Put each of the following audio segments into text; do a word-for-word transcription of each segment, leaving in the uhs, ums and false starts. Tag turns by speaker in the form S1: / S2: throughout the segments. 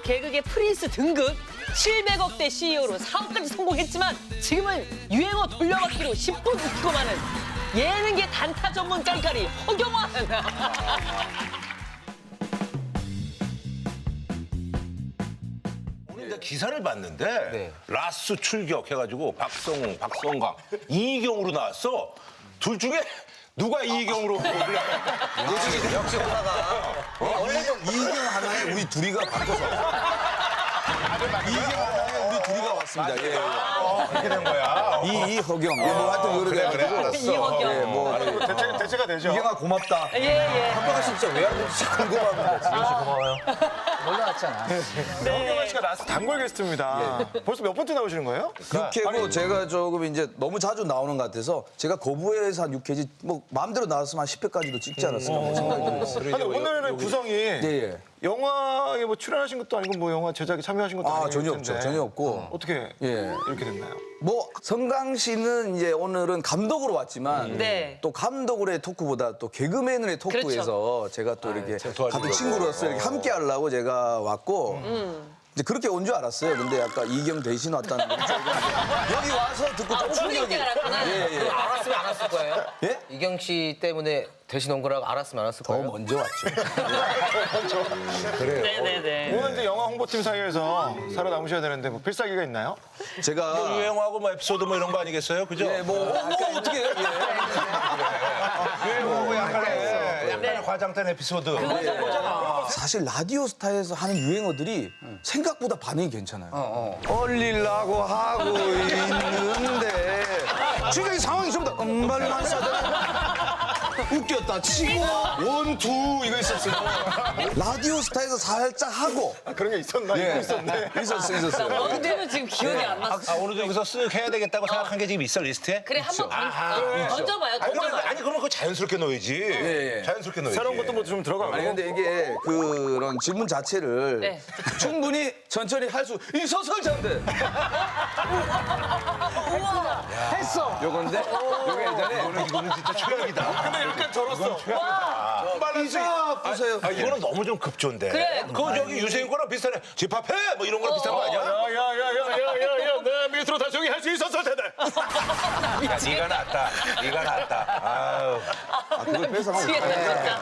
S1: 개그계 프린스 등극, 칠백억대 씨이오로 사업까지 성공했지만 지금은 유행어 돌려받기로 십 분 웃기고 마는 예능계 단타 전문 깐까리 허경환.
S2: 오늘 이제 기사를 봤는데
S3: 네.
S2: 라스 출격해가지고 박성웅, 박성광, 이희경으로 나왔어. 둘 중에 누가 이희경으로
S3: 역시, 역시 하나가. 어, 원래는 이경 하나에 우리 둘이가 바꿔서. 이경 하나에 우리 둘이가 왔습니다. 예, 예.
S2: 그렇게 된 거야.
S3: 이, 이 허경. 예, 뭐 하여튼 그래,
S2: 그래,
S3: 그래,
S2: 그래, 알았어.
S1: 이희경.
S3: 예, 뭐.
S4: 대체, 대체가 되죠.
S3: 이경아 고맙다.
S1: 예, 예.
S3: 한번가 진짜 왜 하는지 궁금합니다. 지금 씨 고마워요. 몰라왔잖아.
S4: 허경환 씨가 라스트 단골 게스트입니다. 벌써 몇 번째 나오시는 거예요?
S3: 육회고 제가 조금 이제 너무 자주 나오는 것 같아서 제가 거부해서 한 육 회지 뭐 마음대로 나왔으면 한 십 회까지도 찍지 않았을까 생각이 들었어요.
S4: 아니, 오늘의 구성이
S3: 예, 예.
S4: 영화에 뭐 출연하신 것도 아니고 뭐 영화 제작에 참여하신 것도
S3: 아,
S4: 아니고
S3: 전혀 없죠. 전혀 없고.
S4: 어떻게
S3: 예.
S4: 이렇게 됐나요?
S3: 뭐 성강 씨는 이제 오늘은 감독으로 왔지만
S1: 네.
S3: 또 감독으로의 토크보다 또 개그맨으로의 토크에서 제가 또 이렇게 같은 친구로서 이렇게 함께 하려고 제가 왔고 이제 그렇게 온 줄 알았어요. 근데 약간 이경 대신 왔다는 거. 여기 와서 듣고 좀 충격이. 예, 예.
S5: 알았으면 안 왔을 거예요?
S3: 예?
S5: 이경 씨 때문에 대신 온 거라고 알았으면 안 왔을
S3: 더
S5: 거예요?
S3: 먼저 왔죠.
S1: 네네네.
S4: 오늘 이제 영화 홍보팀 사이에서 살아남으셔야 되는데 뭐 필살기가 있나요?
S3: 제가
S2: 유행하고 뭐 에피소드 뭐 이런 거 아니겠어요? 그죠?
S3: 예, 뭐, 어, 뭐 어떻게 해요? 예.
S2: 유행하고 약간의, 약간의 과장된 에피소드.
S3: 사실 라디오 스타에서 하는 유행어들이 생각보다 반응이 괜찮아요. 얼리려고 하고 있는데 지금 이 상황이 좀 더 음발만 싸다. 웃겼다 치고 원투 이거 있었어요. 라디오 스타에서 살짝 하고
S4: 아, 그런 게 있었나?
S3: 예.
S4: 이거 있었네.
S3: 있었어 있었어요.
S1: 원투는 지금 기억이 안 났어.
S2: 아, 오늘도 여기서 쓱 해야 되겠다고 생각한 게 지금 있어, 리스트에?
S1: 그래 한번
S2: 아하.
S1: 던져봐요.
S2: 아니, 그러면,
S1: 던져봐요.
S2: 아니, 그러면 그거 자연스럽게 넣어야지.
S3: 예.
S2: 자연스럽게 넣어야지.
S4: 새로운 것도 뭐 좀 들어가고.
S3: 아니 근데 이게 그런 질문 자체를
S1: 네.
S3: 충분히 천천히 할 수 있어서 잔데 했어 요건데 요게 예전에
S2: 이거는, 이거는 진짜 최악이다. 근데 이렇게 절었어.
S3: 이자 보세요.
S2: 아, 이거는 너무 좀 급조인데.
S1: 그래.
S2: 그거 저기 유세윤 거랑 비슷하네. 집합해! 뭐 이런 거랑 비슷한 거 아니야?
S4: 야야야야야야야 내 밑으로 다 저기 할 수 있었을 텐데.
S2: 야, 네가 낫다. 네가 낫다. 아유.
S3: 아, 그걸 뺏어가면
S1: 미치겠다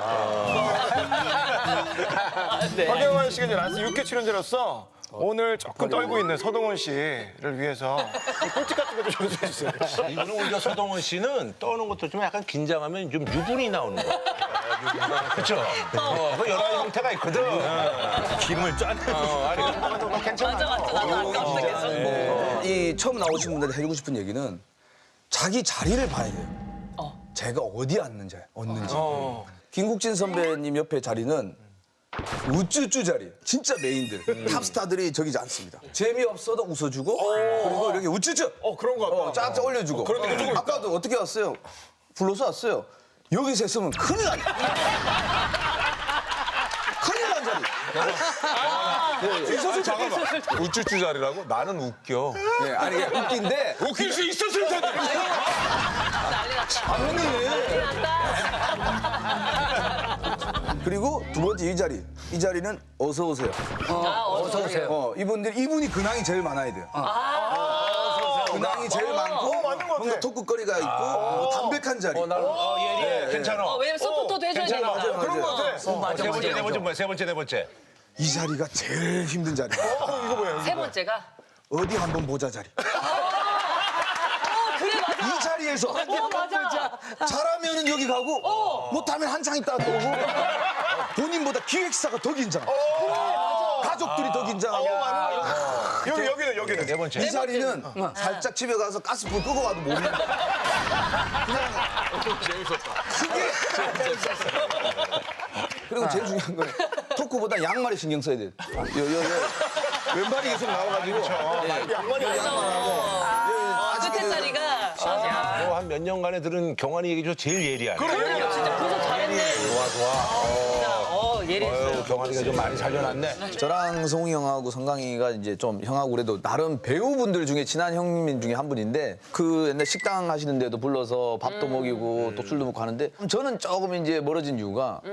S1: 진짜. 네.
S4: 허경환 씨가 이제 라스트 육 회 출연자로서 오늘 조금 떨고 있는 서동원 씨를 위해서 꿀팁 같은 거 좀 전해주세요.
S2: 이거는 오히려 서동원 씨는 떠는 것도 좀 약간 긴장하면 좀 유분이 나오는 거야. 그렇죠? 어, 그 여러 가지 형태가 있거든. 기름을 짠. 어, 아니, 괜찮아.
S1: 맞아 맞아 나도 아까부터 계속.
S3: 이 처음 나오신 분들한테 해주고 싶은 얘기는 자기 자리를 봐야 돼요. 제가 어디 앉는지, 얻는지. 김국진 선배님 옆에 자리는 우쭈쭈 자리. 진짜 메인들. 탑스타들이 저기지 않습니다. 재미없어도 웃어주고 그리고 이렇게 우쭈쭈.
S4: 어 그런 거 같다.
S3: 어, 쫙쫙 올려주고. 아까도 어떻게 왔어요? 불러서 왔어요. 여기서 했으면 큰일 난다. 큰일 난 자리.
S6: 우쭈쭈 자리라고? 나는 웃겨.
S3: 예, 아니 이게 웃긴데
S6: 웃길 수 있었을 텐데.
S1: 난리 났다.
S3: 아니
S1: 난리 났다.
S3: 그리고 두 번째 이 자리. 이 자리는 어서 오세요.
S1: 아, 어서 오세요.
S3: 어, 이분들 이분이 근황이 제일 많아야 돼요. 근황이 제일 많고
S4: 맞는 것 같아.
S3: 뭔가 토크거리가 있고 뭐 담백한 자리.
S2: 어, 예, 예. 괜찮아.
S1: 어, 왜냐면 서포터도 해줘야 되니까.
S3: 맞아요,
S4: 그런 거
S3: 맞아요.
S4: 같아.
S1: 어, 맞아,
S2: 세 번째,
S1: 맞아.
S2: 네 번째 뭐야? 세 번째, 네 번째.
S3: 이 자리가 제일 힘든 자리.
S1: 세 번째가.
S3: 어디 한번 보자 자리.
S1: 어, 그래 맞아.
S3: 이 자리에서
S1: 어 맞아.
S3: 잘하면은 여기 가고 못하면 한창 있다 또 오고 본인보다 기획사가 더 긴장. 가족들이 더 긴장하고.
S4: 여기 여기는 여기는.
S2: 네 번째.
S3: 이 자리는 살짝 집에 가서 가스불 끄고 와도 못 먹는. 그게 그리고 제일 중요한 건 토크보다 양말에 신경 써야 돼. 요, 요, 요. 왼발이 계속 나와가지고.
S4: 양말이
S1: 어, 끝에 자리가. 맞아.
S2: 뭐 한 몇 년간에 들은 경환이 얘기 중 제일 예리하네.
S1: 그러니까 진짜 분석 잘했네.
S2: 좋아, 좋아.
S1: 진짜 어 예리했어요.
S2: 어휴, 경환이가 좀 많이 살려놨네.
S3: 저랑 성웅이 형하고 성강이가 이제 좀 형하고 그래도 나름 배우분들 중에 친한 형님 중에 한 분인데 그 옛날 식당 하시는 데도 불러서 밥도 먹이고 또 술도 먹고 하는데 저는 조금 이제 멀어진 이유가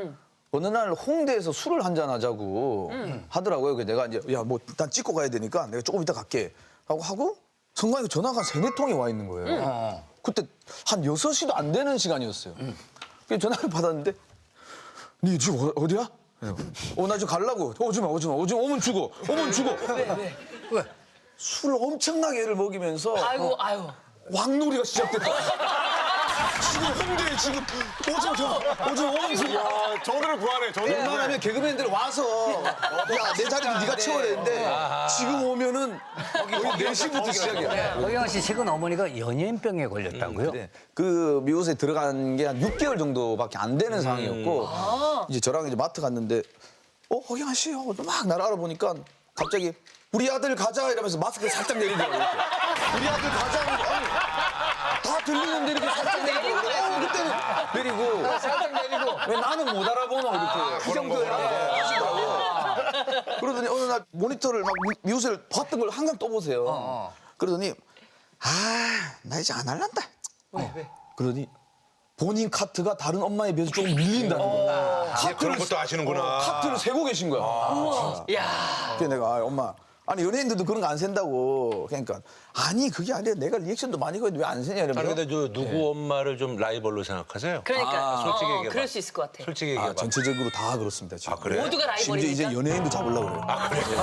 S3: 어느 날 홍대에서 술을 한잔 하자고 하더라고요. 그래서 내가 이제 야 뭐 일단 찍고 가야 되니까 내가 조금 이따 갈게 하고 하고 순간에 전화가 한 세네 통이 와 있는 거예요. 그때 한 여섯 시도 안 되는 시간이었어요. 그래서 전화를 받았는데 니 지금 어- 어디야? 어, 나 지금 가려고. 오지 마, 오지 마. 오지 마. 오면 죽어. 오면 죽어.
S1: 왜, 왜?
S3: 술을 엄청나게 애를 먹이면서
S1: 아이고, 아유.
S3: 왕놀이가 시작됐다. 지금 홍대에 지금 오지 마, 저, 오지 마, 오면 죽어.
S4: 야, 저들을 구하네. 저들.
S3: 웬만하면 개그맨들 와서 야, 내 자리를 네가 채워야 되는데 지금 오면은 거의 네 시부터 시작이야.
S7: 허경환 씨 최근 어머니가 연예인병에 걸렸다고요?
S3: 네. 그 미국에 들어간 게 한 육 개월 정도밖에 안 되는 상황이었고 이제 저랑 이제 마트 갔는데 어 허경환 씨 하고 막 나를 알아보니까 갑자기 우리 아들 가자 이러면서 마스크를 살짝 내리더라고요. 이렇게. 우리 아들 가자 하니까 아니, 다 들리는데 이렇게 살짝 내리고 어, 그때는 내리고 살짝 내리고 왜 나는 못 알아보노 이렇게 그 정도야 하시더라고요. 그러더니 어느 날 모니터를 막 미- 미우새를 봤던 걸 항상 떠보세요. 그러더니 아 나 이제 안 할란다.
S1: 왜, 왜?
S3: 그러더니 본인 카트가 다른 엄마에 비해서 조금 밀린다는 거야.
S2: 예, 그런 것도 아시는구나.
S3: 카트를 세고 계신 거야.
S1: 야.
S3: 그래서 내가 아, 엄마 아니 연예인들도 그런 거 안 센다고. 그러니까 아니 그게 아니라 내가 리액션도 많이 거는데 왜 안 세냐
S2: 아니
S3: 이러면서.
S2: 근데 저 누구 엄마를 좀 라이벌로 생각하세요?
S1: 그러니까.
S2: 솔직히
S1: 어,
S2: 얘기해봐.
S1: 그럴 수 있을 것 같아.
S2: 솔직히
S3: 아,
S2: 얘기해봐.
S3: 전체적으로 다 그렇습니다 지금.
S2: 아, 그래요?
S1: 모두가
S3: 심지어
S1: 라이벌이니까.
S3: 이제 연예인도 잡으려고 그래요. 아 그래요?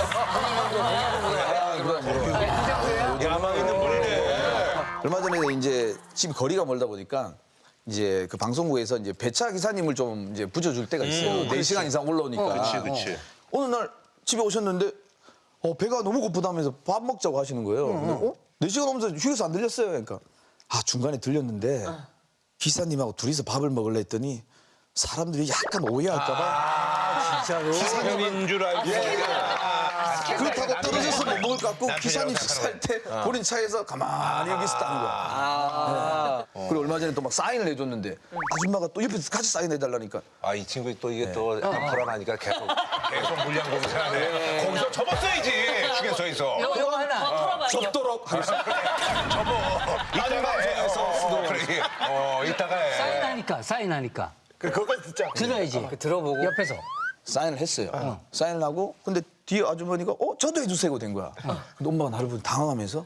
S2: 야망 있는 분이네.
S3: 얼마 전에 이제 집이 거리가 멀다 보니까 이제 그 방송국에서 이제 배차 기사님을 좀 이제 붙여줄 때가 있어요. 네 시간 이상 올라오니까.
S2: 그렇지, 그렇지.
S3: 어느 날 집에 오셨는데 어, 배가 너무 고프다면서 밥 먹자고 하시는 거예요. 근데 어? 네 시간 오면서 휴게소 안 들렸어요. 그러니까 아 중간에 들렸는데 기사님하고 둘이서 밥을 먹으려 했더니 사람들이 약간 오해할까 봐
S2: 기사님인 줄 알고.
S3: 그렇다고 떨어져서 못 먹을 것 같고
S2: 남편이라고
S3: 기사님
S2: 생각하는
S3: 식사할 때 본인 차에서 가만히 여기 있었다는 거야. 네. 그리고 얼마 전에 또 막 사인을 해줬는데 아줌마가 또 옆에서 같이 사인해달라니까
S2: 아, 이 친구 또 이게 또 약간 불안하니까 계속, 계속 물량 공세하네. 거기서 접었어야지, 휴게소에서.
S1: 이거 하나. 더 털어봐요.
S3: 접도록 하겠습니다.
S2: 접어. 이따가 해. 어, 그래. 어, 이따가 해.
S7: 사인하니까 사인하니까
S4: 그, 그거까지 듣자.
S7: 들어야지.
S5: 들어보고.
S7: 옆에서.
S3: 사인을 했어요. 사인을 하고 근데 뒤에 아주머니가 어 저도 해주세요 된 거야. 근데 엄마가 나를 보고 당황하면서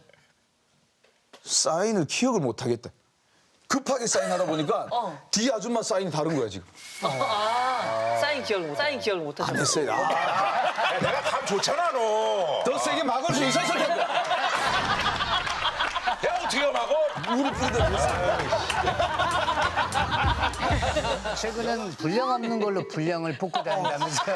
S3: 사인을 기억을 못 하겠다. 급하게 사인하다 보니까 뒤에 아줌마 사인이 다른 거야 지금.
S1: 아, 사인 기억을 못, 사인 기억을 못 하죠.
S3: 안 했어요. 아,
S2: 야, 내가 감 좋잖아, 너.
S3: 더 세게 막을 수 있었을 텐데.
S2: 야, 어떻게 막어?
S3: 무릎 꿇는데
S7: 최근엔 분량 없는 걸로 분량을 뽑고 다닌다면서요.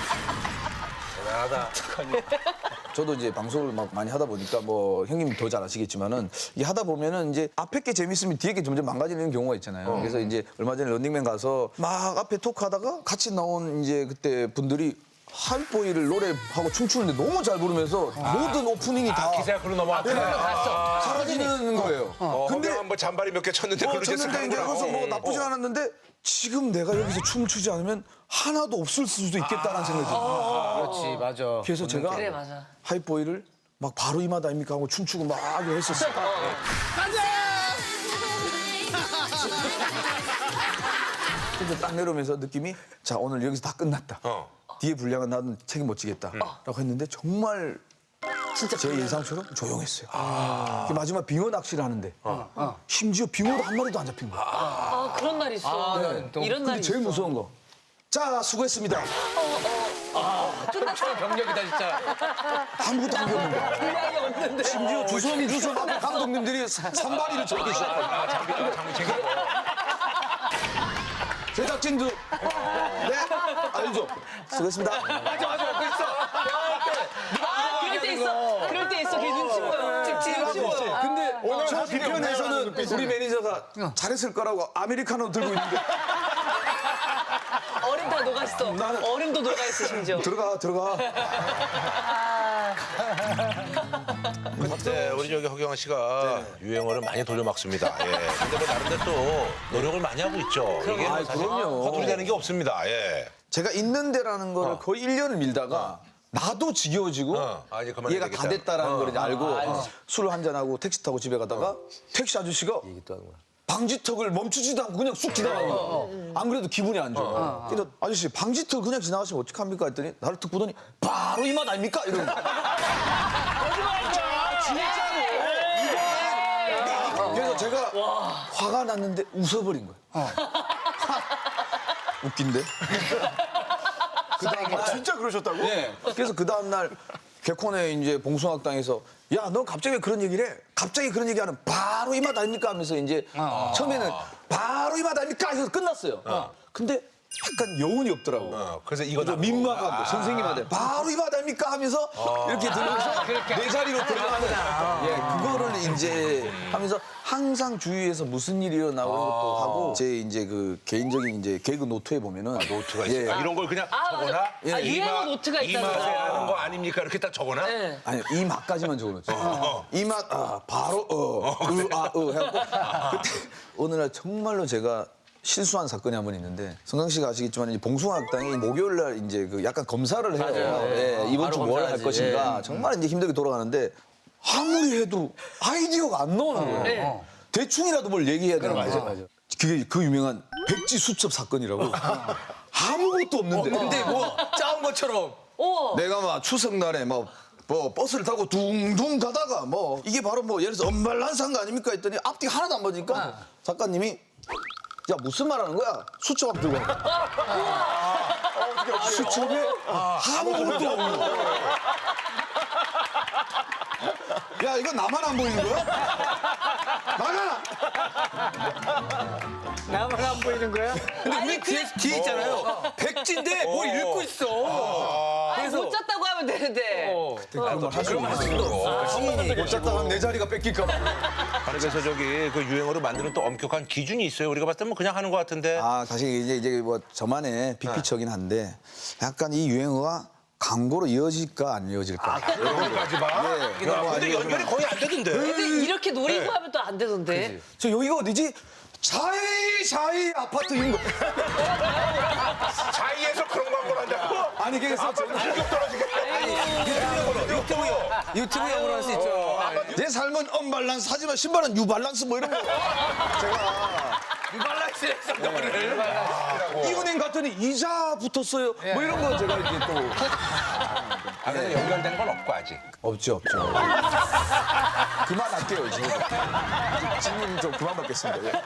S3: 저도 이제 방송을 막 많이 하다 보니까 뭐 형님이 더 잘 아시겠지만은 이 하다 보면은 이제 앞에 게 재밌으면 뒤에 게 점점 망가지는 경우가 있잖아요. 그래서 이제 얼마 전에 런닝맨 가서 막 앞에 토크하다가 같이 나온 이제 그때 분들이 하이보이를 노래하고 춤추는데 너무 잘 부르면서 모든 오프닝이 다
S2: 기세가 글로 넘어왔구나.
S3: 사라지는 거예요.
S2: 어,
S3: 근데
S2: 근데 한번 잔바리 몇 개 쳤는데
S3: 어,
S2: 글로 이제
S3: 쳤는데 이제
S2: 쓱하는구나.
S3: 그래서 뭐
S2: 어,
S3: 나쁘진
S2: 어.
S3: 않았는데 지금 내가 여기서 춤을 추지 않으면 하나도 없을 수도 있겠다는 생각이 들어요.
S5: 그렇지, 맞아.
S3: 그래서 제가
S1: 그래, 맞아.
S3: 하이보이를 막 바로 이마다 입니까 하고 춤추고 막 했었어요. 근데 딱 내려오면서 느낌이 자 오늘 여기서 다 끝났다.
S2: 어.
S3: 뒤에 분량은 나는 책임 못 지겠다. 라고 했는데 정말
S1: 진짜
S3: 제 예상처럼 조용했어요. 그 마지막 빙어 낚시를 하는데 심지어 빙어도 한 마리도 안 잡힌 거야.
S1: 아, 그런 날 있어. 이런
S3: 근데
S1: 날이
S3: 제일
S1: 있어.
S3: 무서운 거. 자 수고했습니다.
S5: 경력이다, 진짜.
S3: 아무것도 안 배웠는 거야.
S1: 분량이 없는데.
S3: 심지어 주선 주선 앞에 감독님들이 산발이를 저렇게 시작하고 제작진도 네 알죠. 수고했습니다.
S1: 아, 그럴 때 있어. 그럴 때 있어. 걔 눈치 보여. 눈치 보여.
S3: 근데 저 뒤편에서는 우리 매니저가 잘했을 거라고 아메리카노 들고 있는데
S1: 얼음 다 녹았어.
S3: 나는-
S1: 얼음도 녹아있어, 심지어.
S3: 들어가 들어가.
S2: 네, 우리 저기 허경환 씨가 유행어를 많이 돌려막습니다. 예. 근데 뭐 나름대로 또 노력을 많이 하고 있죠. 이게 뭐
S3: 아이,
S2: 사실
S3: 그럼요.
S2: 허술이 되는 게 없습니다. 예.
S3: 제가 있는 데라는 거를 거의 일 년을 밀다가 나도 지겨워지고
S2: 어. 아, 이제 그만해야
S3: 얘가 다
S2: 되겠다.
S3: 됐다라는
S2: 어.
S3: 걸 이제 알고 술을 한잔하고 택시 타고 집에 가다가 택시 아저씨가 방지턱을 멈추지도 않고 그냥 쑥 지나가는 거야. 안 그래도 기분이 안 좋아. 그래서 아저씨 방지턱 그냥 지나가시면 어떡합니까 했더니 나를 툭 보더니 바로 이 맛 아닙니까? 이러는 거야. 그래서 제가 화가 났는데 웃어버린 거예요. 웃긴데? 그 다음날
S4: 아, 진짜 그러셨다고?
S3: 네. 그래서 그 다음날 개콘에 이제 봉숭아학당에서 야, 너 갑자기 왜 그런 얘기를 해? 갑자기 그런 얘기하는 바로 이 맛 아닙니까? 하면서 이제 처음에는 바로 이 맛 아닙니까? 해서 끝났어요. 근데 약간 여운이 없더라고.
S2: 어, 그래서 이거
S3: 좀 민망하고 선생님한테 바로 이 맛 아닙니까? 하면서 이렇게 들으면서 내 자리로 들어가는 예, 그거를 이제 하면서 항상 주위에서 무슨 일이 일어나고 이런 것도 하고 제 이제 그 개인적인 이제 개그 노트에 보면은
S2: 노트가
S3: 예.
S2: 있어요. 이런 걸 그냥
S1: 아,
S2: 적어놔?
S1: 맞아. 아,
S2: 이
S1: 유행어
S2: 맛-
S1: 노트가
S2: 이
S1: 있다는
S2: 맛에
S1: 거.
S2: 하는 거 아닙니까? 이렇게 딱 적어놔?
S1: 네.
S3: 아니 이 맛까지만 적어놓죠. 이 맛 아, 바로 어으아으 해갖고 그때 어느 날 정말로 제가 실수한 사건이 한 번 있는데 성강 씨가 아시겠지만 이제 봉숭아학당이 목요일 날 이제 그 약간 검사를 해요.
S5: 맞아요.
S3: 예, 이번
S5: 바로
S3: 주 뭘 할
S5: 검사하지.
S3: 것인가 정말 이제 힘들게 돌아가는데 아무리 해도 아이디어가 안 나오는 거예요. 대충이라도 뭘 얘기해야 되는 거예요. 그게 그 유명한 백지 수첩 사건이라고 아무것도 없는데 근데 뭐 짜온 것처럼
S1: 오.
S3: 내가 막 추석날에 뭐, 뭐 버스를 타고 둥둥 가다가 뭐 이게 바로 뭐 예를 들어서 엄발란산 거 아닙니까 했더니 앞뒤가 하나도 안 맞으니까 작가님이 야 무슨 말 하는 거야? 수첩 앞 들고 와. 수첩에 아무것도 없는 거야. 야 이거 나만 안 보이는 거야? 나가!
S7: 나만 안 보이는 거야?
S3: 근데 우리 뒤에, 뒤에 있잖아요. 백지인데 뭘 읽고 있어.
S1: 아니, 못 잤다고 하면 되는데.
S3: 그런 말할 수도 없어. 못 잤다 하면 내 자리가 뺏길까 봐.
S2: 아니, 그래서 저기 그 유행어를 만드는 또 엄격한 기준이 있어요. 우리가 봤을 때 뭐 그냥 하는 것 같은데.
S3: 아, 사실 이제 이제 뭐 저만의 빅피처긴 한데 약간 이 유행어가 광고로 이어질까 안 이어질까.
S2: 여기까지 봐.
S3: 예. 그러니까 뭐
S2: 근데
S3: 아니면
S2: 연결이 거의 안 되던데.
S1: 근데 이렇게 노리고 하면 또 안 되던데.
S3: 저 여기가 어디지? 자이 자이 아파트 이런 거.
S2: 자이에서 그런 광고를 한다고?
S3: 아니 그래서 저는
S2: 충격 떨어지게.
S5: 유튜브용으로 할 수 있죠.
S3: 제 삶은 언밸런스 하지만 신발은 유발란스 뭐 이런 거. 제가
S5: 유발란스에서 너를.
S3: 이은행 갔더니 이자 붙었어요. 뭐 이런 거 제가 이제 또
S2: 아, 근데 연결된 건 없고 아직.
S3: 없죠 없죠. 그만할게요 지금. 지금 좀 그만 받겠습니다. 예.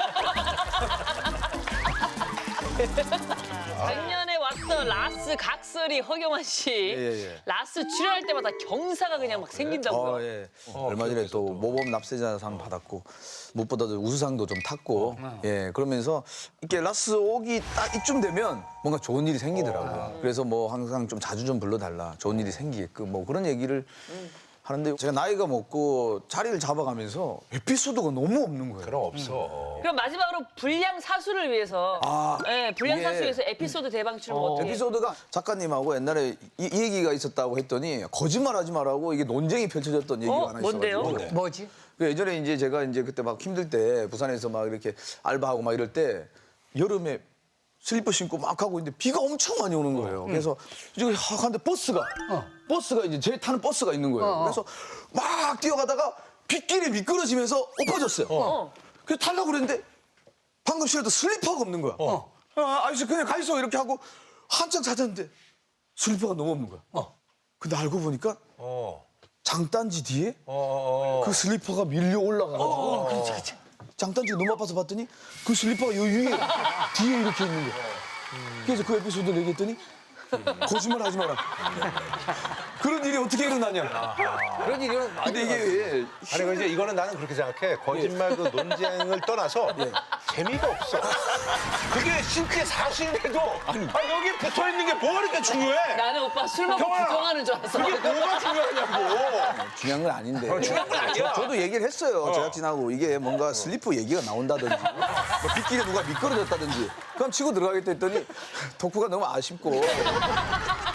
S1: 작년에 왔던 라스 각설이 허경환 씨.
S3: 예, 예.
S1: 라스 출연할 때마다 경사가 그냥 막 생긴다고요.
S3: 어, 예. 얼마 전에 또 모범 납세자상 받았고 무엇보다도 우수상도 좀 탔고 예 그러면서 이렇게 라스 오기 딱 이쯤 되면 뭔가 좋은 일이 생기더라고요. 그래서 뭐 항상 좀 자주 좀 불러달라 좋은 일이 생기게끔 뭐 그런 얘기를 하는데 제가 나이가 먹고 자리를 잡아가면서 에피소드가 너무 없는 거예요.
S2: 그럼 없어.
S1: 그럼 마지막으로 불량 사수를 위해서.
S3: 아,
S1: 네, 불량
S3: 이게-
S1: 사수에서 에피소드 대방출을 뭐 어떻게.
S3: 에피소드가 작가님하고 옛날에 이, 이 얘기가 있었다고 했더니 거짓말하지 말라고 이게 논쟁이 펼쳐졌던 얘기가
S1: 어?
S3: 하나
S1: 뭔데요?
S3: 있어가지고
S7: 뭐지?
S3: 그 예전에 이제 제가 이제 그때 막 힘들 때 부산에서 막 이렇게 알바하고 막 이럴 때 여름에 슬리퍼 신고 막 하고 있는데 비가 엄청 많이 오는 거예요. 그래서 이제 확 하는데 버스가 버스가 이제 제 타는 버스가 있는 거예요. 그래서 막 뛰어가다가 빗길에 미끄러지면서 엎어졌어요. 그래서 타려고 그랬는데 방금 싫어도 슬리퍼가 없는 거야. 아, 아저씨 그냥 가 있어 이렇게 하고 한참 찾았는데 슬리퍼가 너무 없는 거야. 근데 알고 보니까
S2: 어.
S3: 장단지 뒤에
S2: 어, 어,
S3: 그 슬리퍼가 밀려 올라가가지고 장단지가 너무 아파서 봤더니 그 슬리퍼가 요 위에 뒤에 이렇게 있는 거야. 그래서 그 에피소드를 얘기했더니 거짓말 하지 마라. 그런 일이 어떻게 일어나냐.
S5: 그런 일이
S3: 근데 이게 왜
S2: 아니, 그 이제 이거는 나는 그렇게 생각해. 거짓말 그 논쟁을 떠나서 재미가 없어. 그게 실제 사실인데도 아, 여기 붙어 있는 게 뭐가 이렇게 중요해?
S1: 나는 오빠 술 먹고
S2: 경아야,
S1: 부정하는 줄 알았어.
S2: 그게 뭐가 중요하냐고.
S3: 중요한 건 아닌데.
S2: 중요한 건 아니야.
S3: 저, 도 얘기를 했어요. 제작진하고 이게 뭔가 슬리퍼 얘기가 나온다든지 뭐 빗길에 누가 미끄러졌다든지 그럼 치고 들어가겠다 했더니 덕후가 너무 아쉽고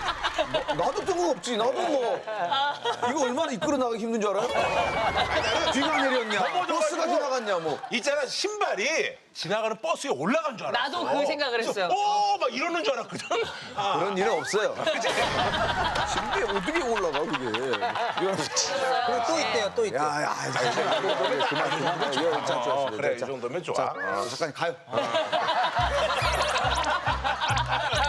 S3: 나도 뜬금없지. 나도 뭐 이거 얼마나 이끌어 나가기 힘든 줄 알아요? 비가 내렸냐, 버스가 지나갔냐, 뭐.
S2: 있잖아 신발이 지나가는 버스에 올라간 줄 알았어.
S1: 나도 그 생각을 했어요.
S2: 오막 이러는 줄 알았거든. 아,
S3: 그런 일은 없어요. 심지어 어떻게 올라가 그게?
S5: 그리고 또 있대요, 또 있대요.
S3: 야야, 그만 그만. 예, 자, 좋아,
S2: 어,
S3: 좋아.
S2: 그래 이
S3: 자,
S2: 정도면 좋아.
S3: 자, 잠깐 가요.